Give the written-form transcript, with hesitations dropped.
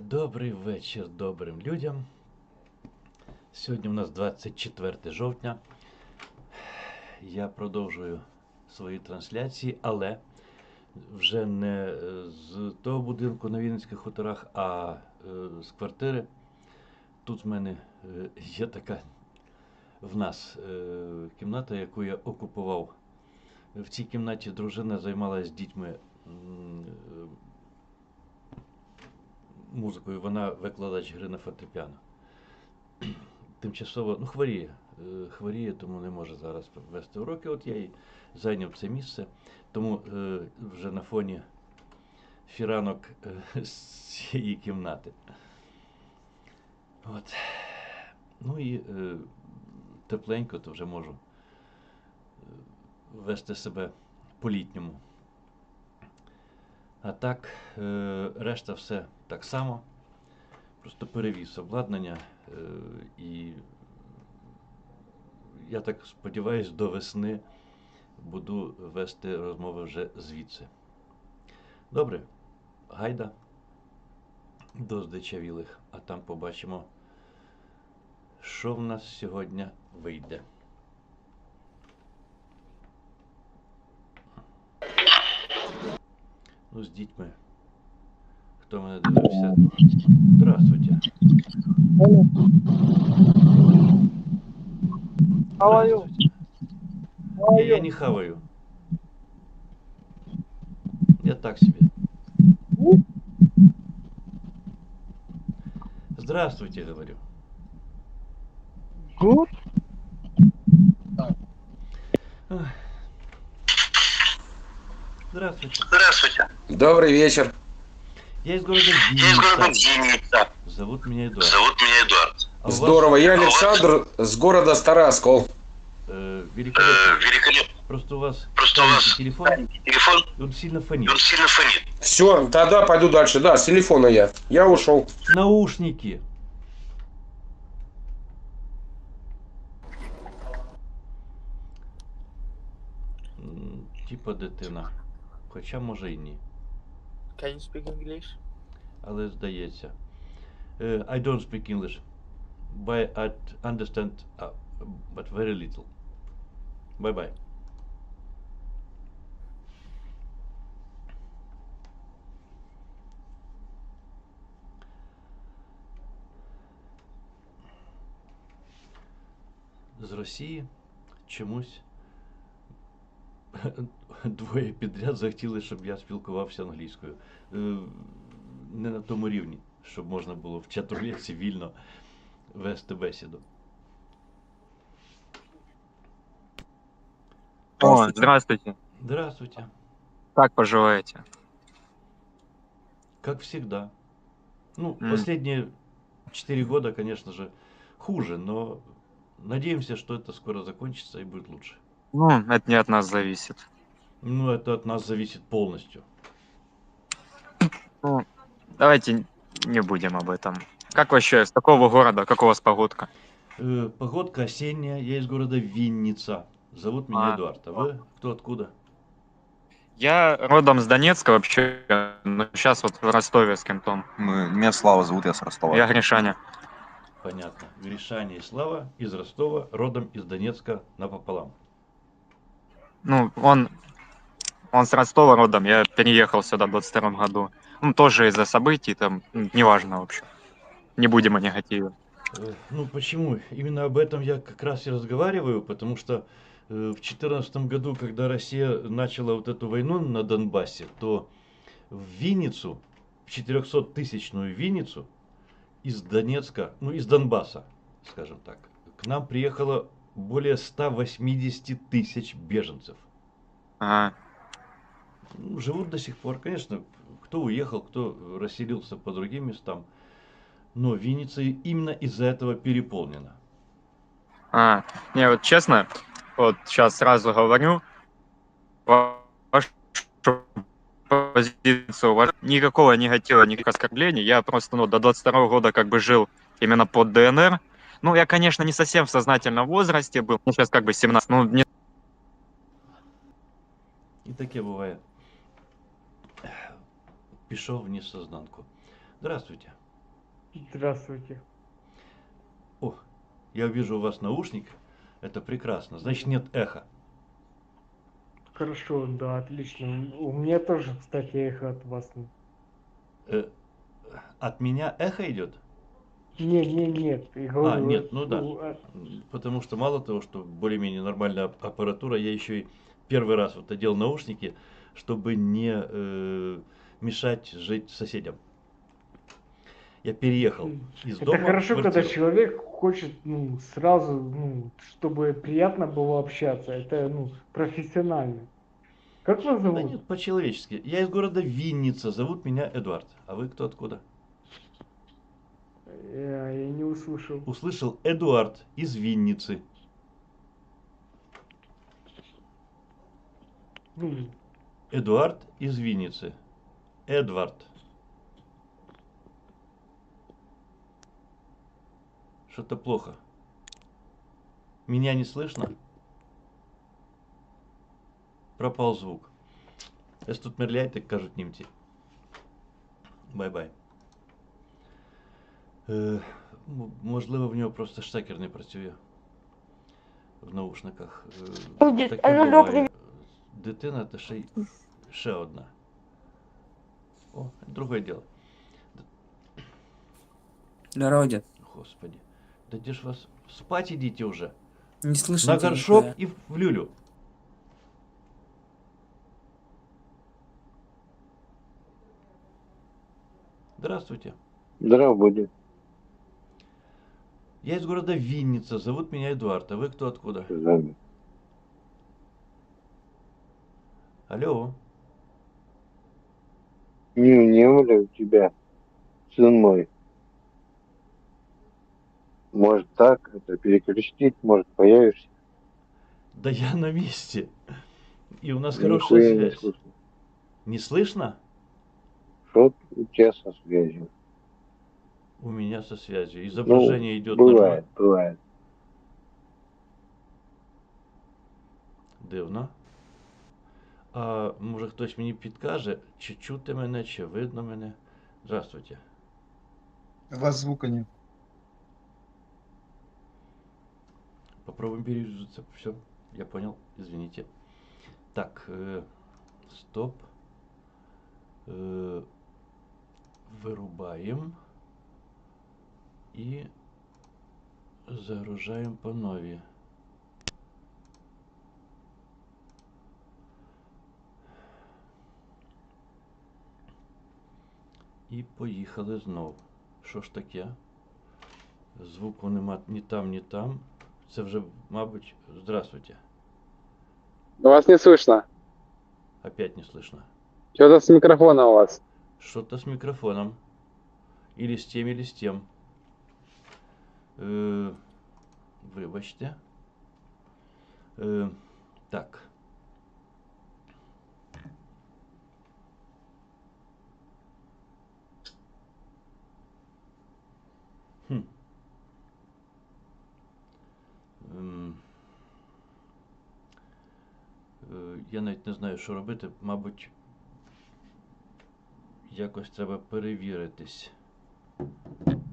Добрий вечір добрим людям. Сьогодні у нас 24 жовтня. Я продовжую свої трансляції, але вже не з того будинку на Вінницьких хуторах, а з квартири. Тут в мене є така в нас кімната, яку я окупував. В цій кімнаті дружина займалася з дітьми музикою. Вона викладач гри на фортепіано. Тимчасово, хворіє, тому не може зараз вести уроки. От я і зайняв це місце, тому вже на фоні фіранок з цієї кімнати. От. Ну і тепленько, то вже можу вести себе по-літньому. А так, решта все так само. Просто перевіз обладнання і я так сподіваюся, до весни буду вести розмови вже звідси. Добре, гайда до здичавілих, а там побачимо, що в нас сьогодні вийде. Ну, з дітьми. Хто мене дивився? Здравствуйте. Хаваю. Я не хаваю. Я так себе. Здравствуйте, говорю. Good. Здравствуйте. Здравствуйте. Добрый вечер. Я из города Я из города Винница. Винница. Зовут меня Эдуард. Зовут меня Эдуард. А у вас, Здорово. Я Александр с города Староскол. великолепно. Великолепно. Просто у вас Просто у вас телефон, телефон, и он сильно и фонит. он сильно фонит. Все, тогда пойду дальше. Да, с телефона я. Я ушел. Наушники. Типа дитина. Хоча може і ні. Can you speak English? Але здається. I don't speak English. But I understand, but very little. Bye-bye. З Росії чомусь двоє підряд захотіли, щоб я спілкувався англійською. Не на тому рівні, щоб можна було в чат-рулетці вільно вести бесіду. О, здравствуйте. Здравствуйте. Как поживаете? Как всегда. Ну, последние 4 года, конечно же, хуже, но надеемся, что это скоро закончится и будет лучше. Ну, это не от нас зависит. Ну, это от нас зависит полностью. Ну, давайте не будем об этом. Как вообще, с какого города, как у вас погодка? Погодка осенняя, я из города Винница. Зовут меня А. Эдуард. А вы кто откуда? Я родом с Донецка вообще, но сейчас вот в Ростове с кем-то. Меня Слава зовут, я с Ростова. Я Гришаня. Понятно. Гришаня и Слава из Ростова, родом из Донецка напополам. Ну, он с Ростова родом, я переехал сюда в 22 году. Ну, тоже из-за событий, там, неважно вообще. Не будем о негативе. Ну, почему? Именно об этом я как раз и разговариваю, потому что в 2014 году, когда Россия начала вот эту войну на Донбассе, то в Винницу, в 400-тысячную Винницу из Донецка, ну, из Донбасса, скажем так, к нам приехало более 180 тысяч беженцев. Ага. Ну, живут до сих пор, конечно, кто уехал, кто расселился по другим местам. Но Винница именно из-за этого переполнена. Не, вот честно, вот сейчас сразу говорю, вашу позицию, никакого негатива, никаких оскорблений. Я просто до 22 года как бы жил именно под ДНР. Ну, я, конечно, не совсем в сознательном возрасте был. Мне сейчас как бы 17. Ну, не... І таке буває. Пішов в несознанку. Здравствуйте. Здравствуйте. О, я вижу у вас наушник. Это прекрасно. Значит, нет эха. Хорошо, да, отлично. У меня тоже, кстати, эхо от вас. Э, от меня эхо идет? Нет, я говорю, Нет, ну да. Потому что мало того, что более-менее нормальная аппаратура, я еще и первый раз вот одел наушники, чтобы не мешать жить соседям. Я переехал из это дома в хорошо, когда квартиру. человек хочет, сразу, чтобы приятно было общаться. Это, профессионально. Как вас Да зовут? нет, по-человечески. Я из города Винница, зовут меня Эдуард. А вы кто откуда? Я не услышал. Услышал Эдуард из Винницы. Ну, Эдуард из Винницы. Эдвард. Что-то плохо. Меня не слышно? Пропал звук. Если тут мерляет, так кажуть німці. Бай-бай. Можливо, в нього просто штекер не працює в наушниках. Таке буває. Дитина та ще одна. О, друге діло. Здорово, дед. Господи. Да где ж вас? Спать идите уже. Не слышно На тебя горшок нихуя. и в люлю. Здравствуйте. Здравствуйте. Я из города Винница. Зовут меня Эдуард. А вы кто откуда? Зами. Алло. Не умер у тебя, сын мой. Может так, это перекрестить, может появишься. Да я на месте. И у нас Нихуя хорошая не связь. слышно. Не слышно? Что у тебя со связью? У меня со связью. Изображение идет бывает, нормально. бывает. Дивно. А може хтось мені підкаже, чи чути мене, чи видно мене? Здравствуйте. У вас звука нет. Попробуем перегрузиться. Все, я понял. Извините. Так, стоп. Вырубаем. И загружаем по новій. І поїхали знов. Що ж таке? Звуку нема ні там, ні там. Це вже, мабуть, здравствуйте. Вас не слышно. Опять не слышно. Что-то с микрофона у вас. Что-то с микрофоном. Или с тем, или с тем. Вибачте. Так. Хм. Я навіть не знаю, що робити. Мабуть, якось треба перевіритись.